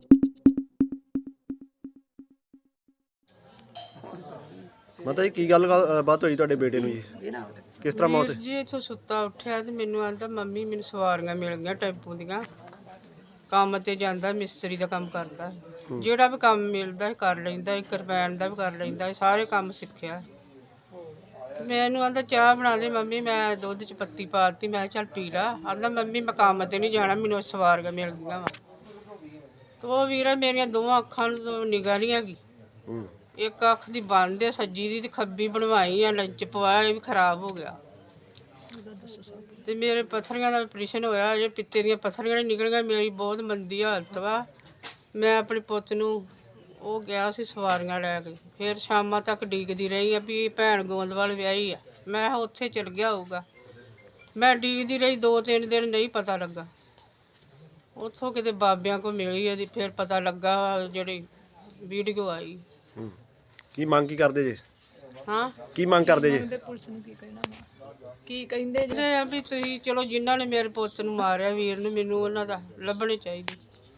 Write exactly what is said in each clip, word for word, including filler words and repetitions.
ਮਾਤਾ ਜੀ ਕੀ ਗੱਲ ਬਾਤ ਹੋਈ ਤੁਹਾਡੇ ਬੇਟੇ ਨੂੰ ਜੀ? ਕਿਸ ਤਰ੍ਹਾਂ ਮੌਤ? ਵੀਰ ਜੀ ਇੱਥੋਂ ਸੁੱਤਾ ਉੱਠਿਆ ਤੇ ਮੈਨੂੰ ਆਂਦਾ ਮੰਮੀ ਮੈਨੂੰ ਸਵਾਰੀਆਂ ਮਿਲ ਗਈਆਂ ਟੈਂਪੂ ਦੀਆਂ। ਕੰਮ ਤੇ ਜਾਂਦਾ, ਮਿਸਤਰੀ ਦਾ ਕੰਮ ਕਰਦਾ, ਜਿਹੜਾ ਵੀ ਕੰਮ ਮਿਲਦਾ ਕਰ ਲੈਂਦਾ, ਕਿਰਪਾਨ ਦਾ ਵੀ ਕਰ ਲੈਂਦਾ, ਸਾਰੇ ਕੰਮ ਸਿੱਖਿਆ। ਮੈਨੂੰ ਆਂਦਾ ਚਾਹ ਬਣਾ ਦੇ ਮੰਮੀ, ਮੈਂ ਦੁੱਧ 'ਚ ਪੱਤੀ ਪਾ ਦਿੱਤੀ। ਮੈਂ ਚੱਲ ਪੀ ਲਾ। ਆਂਦਾ ਮੰਮੀ ਮੈਂ ਕੰਮ ਤੇ ਨਹੀਂ ਜਾਣਾ, ਮੈਨੂੰ ਸਵਾਰੀਆਂ ਮਿਲ ਗਈਆਂ ਵਾ। ਤੇ ਉਹ ਵੀਰ ਮੇਰੀਆਂ ਦੋਵਾਂ ਅੱਖਾਂ ਨੂੰ ਨਿਗਾਹ ਨਹੀਂ ਹੈਗੀ। ਇੱਕ ਅੱਖ ਦੀ ਬੰਦ ਹੈ, ਸੱਜੀ ਦੀ, ਤੇ ਖੱਬੀ ਬਣਵਾਈ ਆ, ਲੰਚ ਪਵਾਇਆ, ਇਹ ਵੀ ਖਰਾਬ ਹੋ ਗਿਆ। ਤੇ ਮੇਰੇ ਪੱਥਰੀਆਂ ਦਾ ਆਪਰੇਸ਼ਨ ਹੋਇਆ, ਜੇ ਪਿੱਤੇ ਦੀਆਂ ਪੱਥਰੀਆਂ ਨਹੀਂ ਨਿਕਲੀਆਂ। ਮੇਰੀ ਬਹੁਤ ਮੰਦੀ ਹਾਲਤ ਵਾ। ਮੈਂ ਆਪਣੇ ਪੁੱਤ ਨੂੰ ਉਹ ਗਿਆ ਸੀ ਸਵਾਰੀਆਂ ਲੈ ਕੇ, ਫਿਰ ਸ਼ਾਮਾਂ ਤੱਕ ਡੀਕਦੀ ਰਹੀ ਆ ਵੀ ਭੈਣ ਗੋਂਦਵਾਲ ਵਿਆਹੀ ਆ। ਮੈਂ ਉੱਥੇ ਚਲ ਗਿਆ ਹੋਊਗਾ। ਮੈਂ ਡੀਕਦੀ ਰਹੀ ਦੋ ਤਿੰਨ ਦਿਨ, ਨਹੀਂ ਪਤਾ ਲੱਗਾ। ਉੱਥੋਂ ਕਿਤੇ ਬਾਬਿਆਂ ਕੋਲ ਮਿਲੀ ਇਹਦੀ, ਫਿਰ ਪਤਾ ਲੱਗਾ ਜਿਹੜੀ ਵੀਡੀਓ ਆਈ। ਕੀ ਮੰਗ ਕੀ ਕਰਦੇ ਜੇ? ਹਾਂ ਕੀ ਮੰਗ ਕਰਦੇ ਜੇ? ਪੁਲਿਸ ਨੂੰ ਕੀ ਕਹਿਣਾ, ਕੀ ਕਹਿੰਦੇ ਨੇ ਆ ਵੀ ਤੁਸੀਂ ਚਲੋ ਜਿਨ੍ਹਾਂ ਨੇ ਮੇਰੇ ਪੁੱਤ ਨੂੰ ਮਾਰਿਆ ਵੀਰ ਨੂੰ, ਮੈਨੂੰ ਉਹਨਾਂ ਦਾ ਲੱਭਣੇ ਚਾਹੀਦੀ।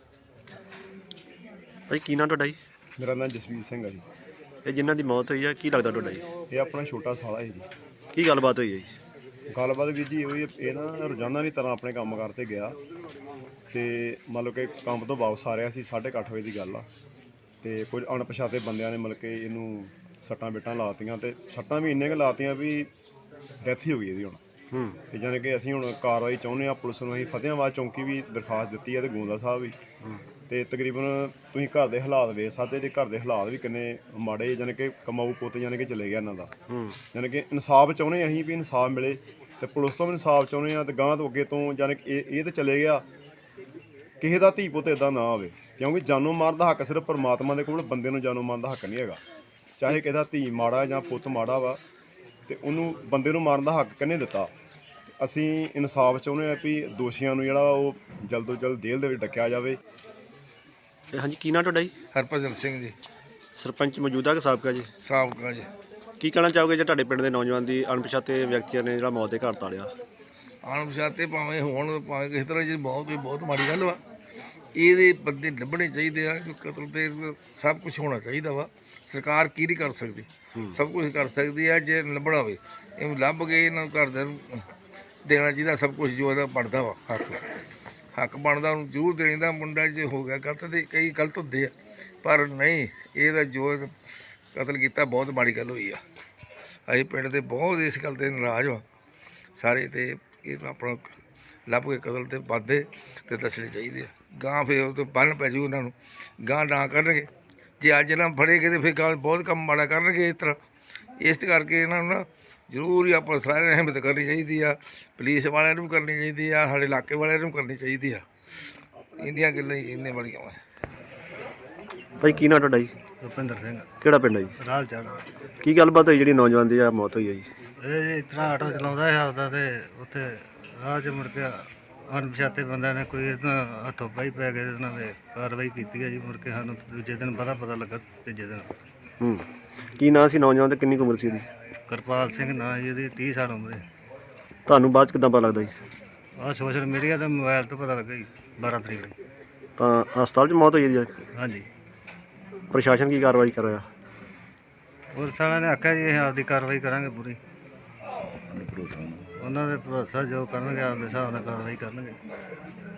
ਭਾਈ ਕੀ ਨਾਂ ਤੁਹਾਡਾ ਜੀ? ਮੇਰਾ ਨਾਮ ਜਸਵੀਰ ਸਿੰਘ ਹੈ ਜੀ। ਇਹ ਜਿਨ੍ਹਾਂ ਦੀ ਮੌਤ ਹੋਈ ਆ ਕੀ ਲੱਗਦਾ ਤੁਹਾਡਾ ਜੀ? ਇਹ ਆਪਣਾ ਛੋਟਾ ਸਾਲਾ ਹੈ ਜੀ। ਕੀ ਗੱਲਬਾਤ ਹੋਈ ਹੈ ਜੀ? ਗੱਲਬਾਤ ਵੀਰ ਜੀ ਉਹੀ, ਇਹ ਨਾ ਰੋਜ਼ਾਨਾ ਦੀ ਤਰ੍ਹਾਂ ਆਪਣੇ ਕੰਮ ਕਾਰ 'ਤੇ ਗਿਆ ਅਤੇ ਮਤਲਬ ਕਿ ਕੰਮ ਤੋਂ ਵਾਪਸ ਆ ਰਿਹਾ ਸੀ। ਸਾਢੇ ਕੁ ਅੱਠ ਵਜੇ ਦੀ ਗੱਲ ਆ, ਅਤੇ ਕੁਝ ਅਣਪਛਾਤੇ ਬੰਦਿਆਂ ਨੇ ਮਤਲਬ ਕਿ ਇਹਨੂੰ ਸੱਟਾਂ ਬੇਟਾਂ ਲਾਤੀਆਂ, ਅਤੇ ਸੱਟਾਂ ਵੀ ਇੰਨੀਆਂ ਕੁ ਲਾਤੀਆਂ ਵੀ ਡੈਥ ਹੀ ਹੋ ਗਈ ਇਹਦੀ ਹੁਣ। ਹੂੰ ਅਤੇ ਜਾਣੀ ਕਿ ਅਸੀਂ ਹੁਣ ਕਾਰਵਾਈ ਚਾਹੁੰਦੇ ਹਾਂ ਪੁਲਿਸ ਨੂੰ। ਅਸੀਂ ਫਤਿਆਬਾਦ ਚੌਂਕੀ ਵੀ ਦਰਖਾਸਤ ਦਿੱਤੀ ਹੈ ਅਤੇ ਗੋਂਦਾ ਸਾਹਿਬ ਵੀ। ਅਤੇ ਤਕਰੀਬਨ ਤੁਸੀਂ ਘਰ ਦੇ ਹਾਲਾਤ ਵੇਖ ਸਕਦੇ ਜੇ, ਘਰ ਦੇ ਹਾਲਾਤ ਵੀ ਕਿੰਨੇ ਮਾੜੇ, ਜਾਣੀ ਕਿ ਕਮਾਊ ਪੁੱਤ ਜਾਣੀ ਕਿ ਚਲੇ ਗਿਆ ਇਹਨਾਂ ਦਾ। ਜਾਣੀ ਕਿ ਇਨਸਾਫ ਚਾਹੁੰਦੇ ਅਸੀਂ ਵੀ ਇਨਸਾਫ ਮਿਲੇ, ਅਤੇ ਪੁਲਿਸ ਤੋਂ ਵੀ ਇਨਸਾਫ ਚਾਹੁੰਦੇ ਹਾਂ। ਅਤੇ ਗਾਂਹ ਤੋਂ ਅੱਗੇ ਤੋਂ ਜਾਣੀ ਕਿ ਇਹ ਇਹ ਤਾਂ ਚਲੇ ਗਿਆ, ਕਿਸੇ ਦਾ ਧੀ ਪੁੱਤ ਇੱਦਾਂ ਨਾ ਆਵੇ, ਕਿਉਂਕਿ ਜਾਨੋਂ ਮਾਰਨ ਦਾ ਹੱਕ ਸਿਰਫ ਪਰਮਾਤਮਾ ਦੇ ਕੋਲ, ਬੰਦੇ ਨੂੰ ਜਾਨੋਂ ਮਾਰਨ ਦਾ ਹੱਕ ਨਹੀਂ ਹੈਗਾ। ਚਾਹੇ ਕਿਸੇ ਦਾ ਧੀ ਮਾੜਾ ਜਾਂ ਪੁੱਤ ਮਾੜਾ ਵਾ, ਅਤੇ ਉਹਨੂੰ ਬੰਦੇ ਨੂੰ ਮਾਰਨ ਦਾ ਹੱਕ ਕਿਹਨੇ ਦਿੱਤਾ? ਅਸੀਂ ਇਨਸਾਫ ਚਾਹੁੰਦੇ ਹਾਂ ਵੀ ਦੋਸ਼ੀਆਂ ਨੂੰ ਜਿਹੜਾ ਉਹ ਜਲਦ ਤੋਂ ਜਲਦ ਜੇਲ੍ਹ ਦੇ ਵਿੱਚ ਡੱਕਿਆ ਜਾਵੇ। ਹਾਂਜੀ ਕੀ ਨਾਂ ਤੁਹਾਡਾ ਜੀ? ਹਰਭਜਨ ਸਿੰਘ ਜੀ। ਸਰਪੰਚ ਮੌਜੂਦਾ ਕਿ ਸਾਬਕਾ ਜੀ? ਸਾਬਕਾ ਜੀ। ਕੀ ਕਹਿਣਾ ਚਾਹੋਗੇ ਜੇ ਤੁਹਾਡੇ ਪਿੰਡ ਦੇ ਨੌਜਵਾਨ ਦੀ ਅਣਪਛਾਤੇ ਵਿਅਕਤੀਆਂ ਨੇ ਜਿਹੜਾ ਮੌਤ ਦੇ ਘਰ ਤਾੜਿਆ? ਅਣਪਛਾਤੇ ਭਾਵੇਂ ਹੋਣ ਭਾਵੇਂ ਕਿਸੇ ਤਰ੍ਹਾਂ ਜੀ, ਬਹੁਤ ਹੀ ਬਹੁਤ ਮਾੜੀ ਗੱਲ ਵਾ। ਇਹਦੇ ਬੰਦੇ ਲੱਭਣੇ ਚਾਹੀਦੇ ਆ। ਕਤਲ ਤੇ ਸਭ ਕੁਝ ਹੋਣਾ ਚਾਹੀਦਾ ਵਾ। ਸਰਕਾਰ ਕੀ ਨਹੀਂ ਕਰ ਸਕਦੀ, ਸਭ ਕੁਝ ਕਰ ਸਕਦੀ ਆ ਜੇ ਲੱਭਣਾ ਹੋਵੇ। ਇਹ ਲੱਭ ਕੇ ਇਹਨਾਂ ਘਰਦਿਆਂ ਨੂੰ ਦੇਣਾ ਚਾਹੀਦਾ ਸਭ ਕੁਝ ਜੋ ਇਹਦਾ ਬਣਦਾ ਵਾ। ਹੱਕ ਹੱਕ ਬਣਦਾ ਉਹਨੂੰ ਜ਼ਰੂਰ ਦੇਣਾ। ਮੁੰਡਾ ਜੇ ਹੋ ਗਿਆ ਗਲਤ, ਤੇ ਕਈ ਗਲਤ ਹੁੰਦੇ ਆ, ਪਰ ਨਹੀਂ, ਇਹਦਾ ਜੋ ਕਤਲ ਕੀਤਾ ਬਹੁਤ ਮਾੜੀ ਗੱਲ ਹੋਈ ਆ। ਅਸੀਂ ਪਿੰਡ ਦੇ ਬਹੁਤ ਇਸ ਗੱਲ 'ਤੇ ਨਾਰਾਜ਼ ਵਾ ਸਾਰੇ, ਅਤੇ ਇਹ ਆਪਣਾ ਲੱਭ ਕੇ ਕਤਲ 'ਤੇ ਬੰਦੇ ਅਤੇ ਦੱਸਣੇ ਚਾਹੀਦੇ ਆ। ਗਾਂ ਫਿਰ ਉਹ ਤੋਂ ਬੰਨ ਪੈ ਜੂ ਉਹਨਾਂ ਨੂੰ, ਗਾਂ ਨਾ ਕਰਨਗੇ। ਜੇ ਅੱਜ ਇਹਨਾਂ ਫੜੇਗੇ ਤਾਂ ਫਿਰ ਗਾਂ ਬਹੁਤ ਕੰਮ ਮਾੜਾ ਕਰਨਗੇ ਇਸ ਤਰ੍ਹਾਂ। ਇਸ ਕਰਕੇ ਇਹਨਾਂ ਨੂੰ ਨਾ ਜ਼ਰੂਰ ਹੀ ਆਪਾਂ ਸਾਰਿਆਂ ਨੂੰ ਹਿੰਮਤ ਕਰਨੀ ਚਾਹੀਦੀ ਆ। ਪੁਲਿਸ ਵਾਲਿਆਂ ਨੂੰ ਵੀ ਕਰਨੀ ਚਾਹੀਦੀ ਆ, ਸਾਡੇ ਇਲਾਕੇ ਵਾਲਿਆਂ ਨੂੰ ਵੀ ਕਰਨੀ ਚਾਹੀਦੀ ਆ। ਇਹਦੀਆਂ ਗੱਲਾਂ ਹੀ ਇੰਨੇ ਬੜੀਆਂ ਵਾ। ਭਾਈ ਕੀ ਨਾਂ ਤੁਹਾਡਾ ਜੀ? ਰੁਪਿੰਦਰ ਸਿੰਘ। ਕਿਹੜਾ ਪਿੰਡ ਹੈ ਜੀ? ਰਾਲ ਚੜ੍ਹ। ਕੀ ਗੱਲਬਾਤ ਹੋਈ ਜਿਹੜੀ ਨੌਜਵਾਨ ਦੀ ਆ ਮੌਤ ਹੋਈ ਹੈ ਜੀ? ਇਹ ਇਸ ਤਰ੍ਹਾਂ ਆਟੋ ਚਲਾਉਂਦਾ ਹੈ ਆਪਦਾ, ਅਤੇ ਉੱਥੇ ਰਾਹ 'ਚ ਮੁੜ ਕੇ ਅਣਪਛਾਤੇ ਬੰਦਿਆਂ ਨੇ ਕੋਈ ਇਹਨਾਂ ਹੱਥੋਂ ਪਾਈ ਪੈ ਗਏ, ਉਹਨਾਂ ਨੇ ਕਾਰਵਾਈ ਕੀਤੀ ਹੈ ਜੀ। ਮੁੜ ਕੇ ਸਾਨੂੰ ਦੂਜੇ ਦਿਨ ਪਤਾ ਪਤਾ ਲੱਗਾ, ਤੀਜੇ ਦਿਨ। ਹੂੰ ਕੀ ਨਾਂ ਸੀ ਨੌਜਵਾਨ ਤੇ ਕਿੰਨੀ ਕੁ ਉਮਰ ਸੀ ਇਹਦੀ? ਕਿਰਪਾਲ ਸਿੰਘ ਨਾਂ ਜੀ ਇਹਦੀ, ਤੀਹ ਸਾਲ ਉਮਰ ਹੈ। ਤੁਹਾਨੂੰ ਬਾਅਦ 'ਚ ਕਿੱਦਾਂ ਪਤਾ ਲੱਗਦਾ ਜੀ? ਆਹ ਸੋਸ਼ਲ ਮੀਡੀਆ 'ਤੇ ਮੋਬਾਈਲ ਤੋਂ ਪਤਾ ਲੱਗਾ ਜੀ, ਬਾਰਾਂ ਤਰੀਕ ਨੂੰ। ਤਾਂ ਹਸਪਤਾਲ 'ਚ ਮੌਤ ਹੋਈ ਇਹਦੀ? ਹਾਂਜੀ। ਪ੍ਰਸ਼ਾਸਨ ਕੀ ਕਾਰਵਾਈ ਕਰ ਰਿਹਾ? ਪੁਲਿਸ ਵਾਲਿਆਂ ਨੇ ਆਖਿਆ ਜੀ ਅਸੀਂ ਆਪਦੀ ਕਾਰਵਾਈ ਕਰਾਂਗੇ ਪੂਰੀ। ਉਹਨਾਂ ਦੇ ਭਰੋਸਾ ਜੋ ਕਰਨਗੇ ਆਪਦੇ ਹਿਸਾਬ ਨਾਲ ਕਾਰਵਾਈ ਕਰਨਗੇ।